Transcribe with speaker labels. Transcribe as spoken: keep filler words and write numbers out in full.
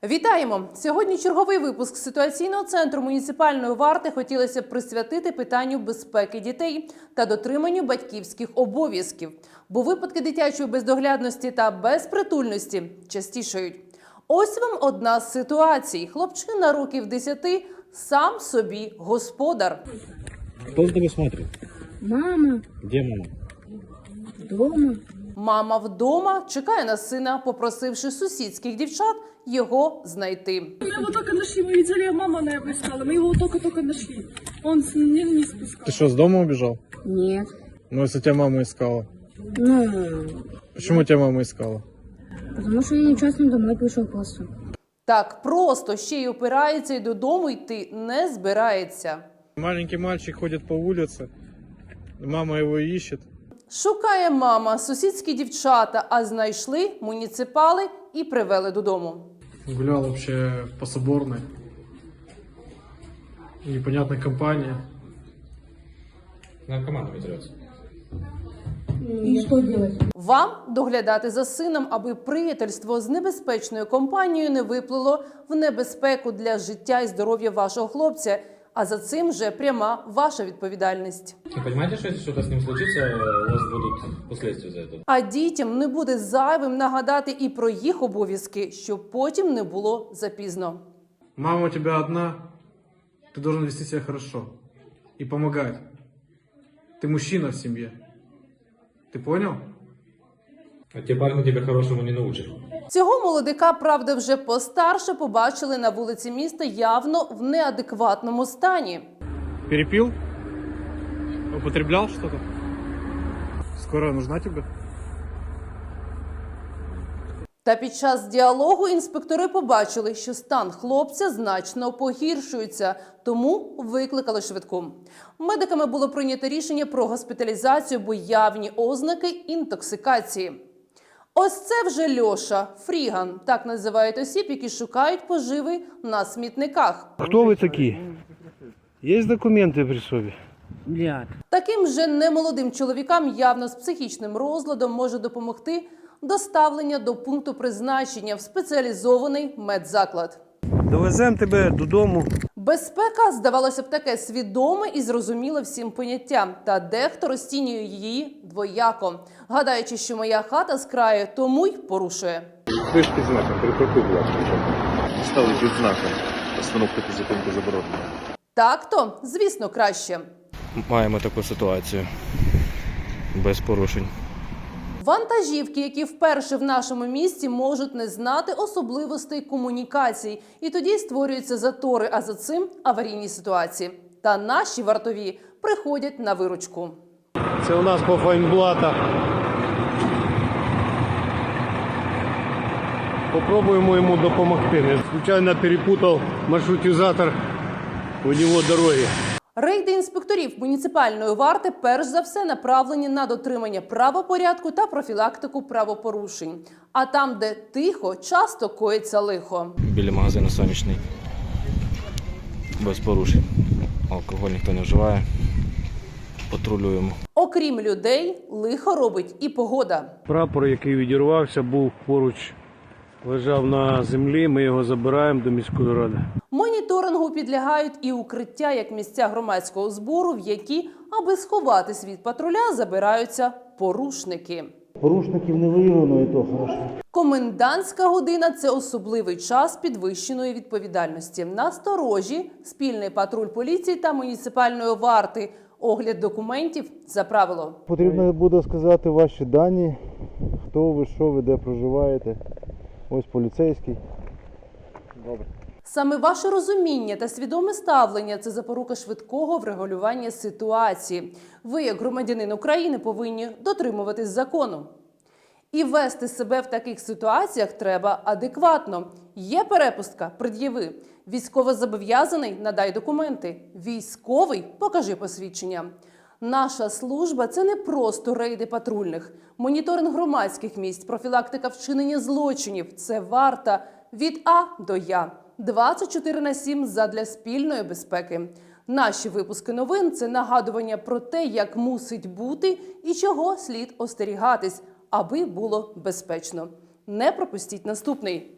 Speaker 1: Вітаємо! Сьогодні черговий випуск ситуаційного центру муніципальної варти хотілося б присвятити питанню безпеки дітей та дотриманню батьківських обов'язків, бо випадки дитячої бездоглядності та безпритульності частішають. Ось вам одна з ситуацій. Хлопчина років десяти сам собі господар.
Speaker 2: Кто за тобой смотрит?
Speaker 3: Мама.
Speaker 2: Где мама?
Speaker 3: Дома.
Speaker 1: Мама вдома чекає на сина, попросивши сусідських дівчат його знайти.
Speaker 4: Мы его только нашли, мы видели, мама на его искала, мы его только-только нашли. Он с ним не спускал.
Speaker 2: Ты что, с дома убежал?
Speaker 3: Нет.
Speaker 2: Ну, если тебя мама искала.
Speaker 3: Ну,
Speaker 2: Почему тебя мама искала?
Speaker 3: потому что я нечасно домой пришел просто.
Speaker 1: Так просто ще й опирається і додому йти не збирається.
Speaker 2: Маленький мальчик ходит по улице, мама его ищет.
Speaker 1: Шукає мама сусідські дівчата, а знайшли муніципали і привели додому.
Speaker 2: Гулял вообще по Соборной. Непонятная компания.
Speaker 5: Наркоманами трется.
Speaker 3: И что делать?
Speaker 1: Вам доглядати за сином, аби приятельство з небезпечною компанією не виплило в небезпеку для життя і здоров'я вашого хлопця, а за цим вже пряма ваша відповідальність.
Speaker 5: Вы понимаете, что если что-то с ним случится, у вас будут последствия за это?
Speaker 1: А дітям не буде зайвим нагадати і про їх обов'язки, щоб потім не було запізно.
Speaker 2: Мама у тебя одна, ты должен вести себя хорошо и помогать. Ты мужчина в семье. Ты понял?
Speaker 5: А те парни тебя хорошему не научат.
Speaker 1: Цього молодика, правда, вже постарше побачили на вулиці міста явно в неадекватному стані.
Speaker 2: Перепил? Употреблял что-то? Скорая нужна тебе?
Speaker 1: Та під час діалогу інспектори побачили, що стан хлопця значно погіршується, тому викликали швидку. Медиками було прийнято рішення про госпіталізацію, бо явні ознаки інтоксикації. Ось це вже Льоша, фріган, так називають осіб, які шукають поживи на смітниках.
Speaker 6: Кто вы такие? Есть документы при собі?
Speaker 1: Таким же немолодим чоловікам явно з психічним розладом може допомогти доставлення до пункту призначення в спеціалізований медзаклад.
Speaker 6: Довеземо тебе додому.
Speaker 1: Безпека, здавалося б, таке свідоме і зрозуміле всім поняття. Та дехто розцінює її двояко, гадаючи, що моя хата з краю, тому й порушує.
Speaker 7: Стоїш під знаком, припаркуй, будь ласка. Стали під знаком. Остановка та зупинка заборонена.
Speaker 1: Так-то, звісно, краще.
Speaker 8: Маємо таку ситуацію без порушень.
Speaker 1: Вантажівки, які вперше в нашому місті, можуть не знати особливостей комунікацій. І тоді створюються затори, а за цим аварійні ситуації. Та наші вартові приходять на виручку.
Speaker 6: Це у нас по файнблатах. Попробуємо йому допомогти. Случайно перепутав маршрутизатор, у нього дороги.
Speaker 1: Рейди інспекторів муніципальної варти перш за все направлені на дотримання правопорядку та профілактику правопорушень. А там, де тихо, часто коїться лихо.
Speaker 8: Біля магазину «Сонячний» без порушень. Алкоголь ніхто не вживає. Патрулюємо.
Speaker 1: Окрім людей, лихо робить і погода.
Speaker 6: Прапор, який відірвався, був поруч, лежав на землі, ми його забираємо до міської ради.
Speaker 1: Моніторингу підлягають і укриття як місця громадського збору, в які, аби сховатись від патруля, забираються порушники.
Speaker 9: Порушників не виявлено, і то хорошо.
Speaker 1: Комендантська година – це особливий час підвищеної відповідальності. Насторожі спільний патруль поліції та муніципальної варти. Огляд документів за правило.
Speaker 9: Потрібно буде сказати ваші дані, хто ви, що ви, де проживаєте. Ось поліцейський. Добре.
Speaker 1: Саме ваше розуміння та свідоме ставлення – це запорука швидкого врегулювання ситуації. Ви, як громадянин України, повинні дотримуватись закону. І вести себе в таких ситуаціях треба адекватно. Є перепустка – пред'яви. Військовозобов'язаний – надай документи. Військовий – покажи посвідчення. Наша служба – це не просто рейди патрульних. Моніторинг громадських місць, профілактика вчинення злочинів – це варта від А до Я. двадцять чотири на сім задля спільної безпеки. Наші випуски новин – це нагадування про те, як мусить бути і чого слід остерігатись, аби було безпечно. Не пропустіть наступний.